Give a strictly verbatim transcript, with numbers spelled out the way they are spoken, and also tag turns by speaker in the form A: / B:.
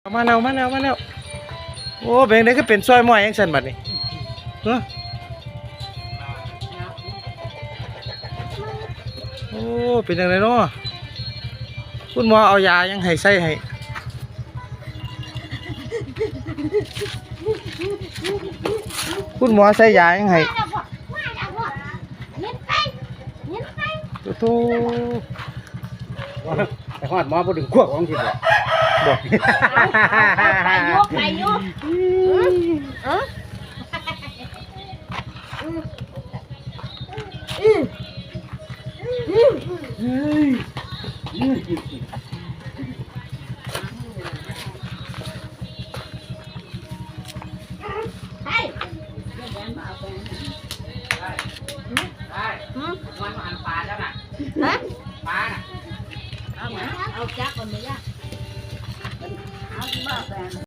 A: มาแล้วมาแล้วมาแล้วโอ้เป็นได้ก็เป็นซอยม้อยยังสั่นบัดนี้เนาะโอ้เป็นยังไงเนาะคุณหมอเอายายังให้ใส่ให้คุณหมอใส่ยายังให้โต
B: ไปหอดหมอพูดถึงขั้วของที่บอกบอก
C: ไปยกไปยกเออมันมันปลาแล้วน่ะฮะปลาน่ะเอาจักก่อนไหมล่ะเอาที่บ้านแฟน